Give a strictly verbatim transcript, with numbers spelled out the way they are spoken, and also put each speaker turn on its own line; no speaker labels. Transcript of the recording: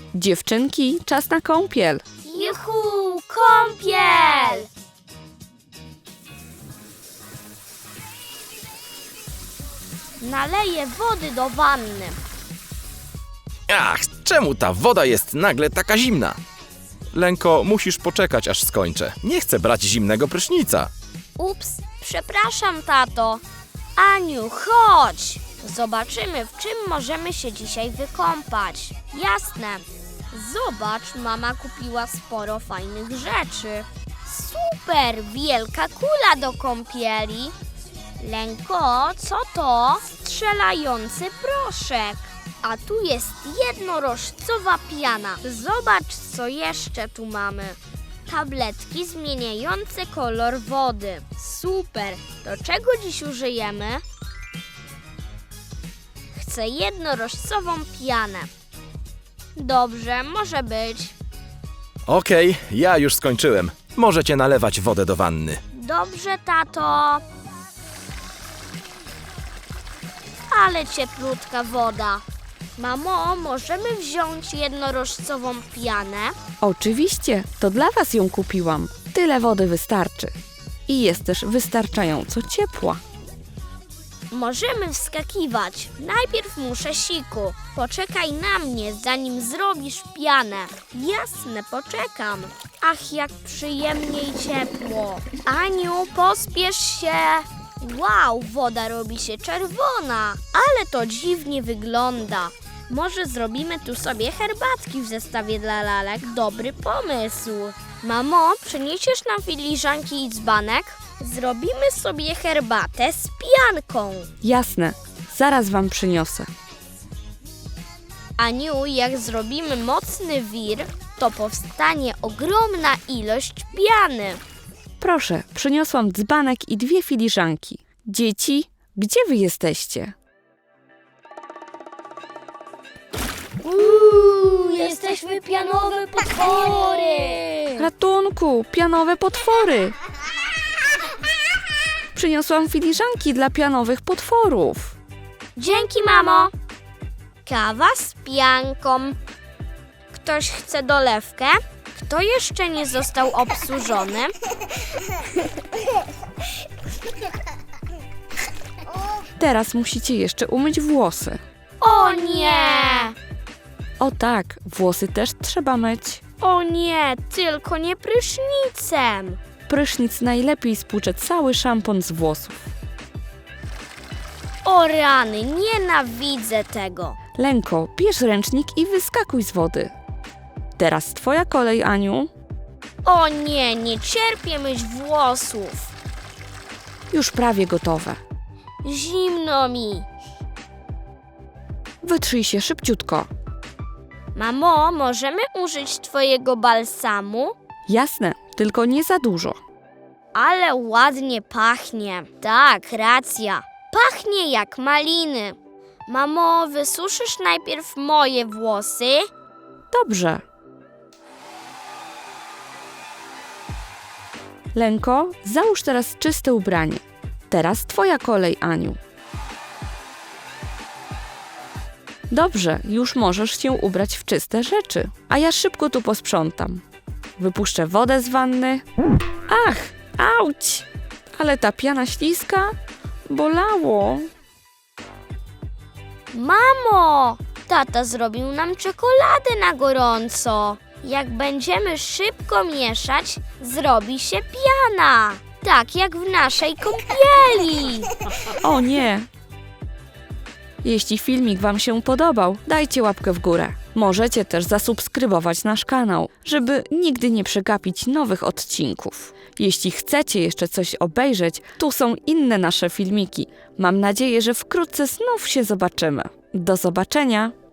Dziewczynki, czas na kąpiel.
Juhu, kąpiel! Naleję wody do wanny.
Ach, czemu ta woda jest nagle taka zimna? Lenko, musisz poczekać, aż skończę. Nie chcę brać zimnego prysznica.
Ups, przepraszam, tato. Aniu, chodź! Zobaczymy, w czym możemy się dzisiaj wykąpać. Jasne. Zobacz, mama kupiła sporo fajnych rzeczy. Super, wielka kula do kąpieli. Lenko, co to? Strzelający proszek. A tu jest jednorożcowa piana. Zobacz, co jeszcze tu mamy. Tabletki zmieniające kolor wody. Super. Do czego dziś użyjemy? Chcę jednorożcową pianę. Dobrze, może być.
Okej, ja już skończyłem. Możecie nalewać wodę do wanny.
Dobrze, tato. Ale cieplutka woda. Mamo, możemy wziąć jednorożcową pianę?
Oczywiście, to dla was ją kupiłam. Tyle wody wystarczy. I jest też wystarczająco ciepła.
Możemy wskakiwać. Najpierw muszę siku. Poczekaj na mnie, zanim zrobisz pianę. Jasne, poczekam. Ach, jak przyjemnie i ciepło. Aniu, pospiesz się. Wow, woda robi się czerwona. Ale to dziwnie wygląda. Może zrobimy tu sobie herbatki w zestawie dla lalek? Dobry pomysł. Mamo, przyniesiesz nam filiżanki i dzbanek? Zrobimy sobie herbatę z pianką.
Jasne, zaraz wam przyniosę.
Aniu, jak zrobimy mocny wir, to powstanie ogromna ilość piany.
Proszę, przyniosłam dzbanek i dwie filiżanki. Dzieci, gdzie wy jesteście?
Uuu, jesteśmy pianowe potwory!
Ratunku, pianowe potwory! Przyniosłam filiżanki dla pianowych potworów.
Dzięki, mamo. Kawa z pianką. Ktoś chce dolewkę? Kto jeszcze nie został obsłużony?
Teraz musicie jeszcze umyć włosy.
O nie!
O tak, włosy też trzeba myć.
O nie, tylko nie prysznicem.
Prysznic najlepiej spłucze cały szampon z włosów.
O rany, nienawidzę tego.
Lenko, bierz ręcznik i wyskakuj z wody. Teraz twoja kolej, Aniu.
O nie, nie cierpię myć włosów.
Już prawie gotowe.
Zimno mi.
Wytrzyj się szybciutko.
Mamo, możemy użyć twojego balsamu?
Jasne, tylko nie za dużo.
Ale ładnie pachnie. Tak, racja. Pachnie jak maliny. Mamo, wysuszysz najpierw moje włosy?
Dobrze. Lenko, załóż teraz czyste ubranie. Teraz twoja kolej, Aniu. Dobrze, już możesz się ubrać w czyste rzeczy, a ja szybko tu posprzątam. Wypuszczę wodę z wanny. Ach, auć! Ale ta piana śliska? Bolało.
Mamo, tata zrobił nam czekoladę na gorąco. Jak będziemy szybko mieszać, zrobi się piana. Tak jak w naszej kąpieli.
O nie! Jeśli filmik wam się podobał, dajcie łapkę w górę. Możecie też zasubskrybować nasz kanał, żeby nigdy nie przegapić nowych odcinków. Jeśli chcecie jeszcze coś obejrzeć, tu są inne nasze filmiki. Mam nadzieję, że wkrótce znów się zobaczymy. Do zobaczenia!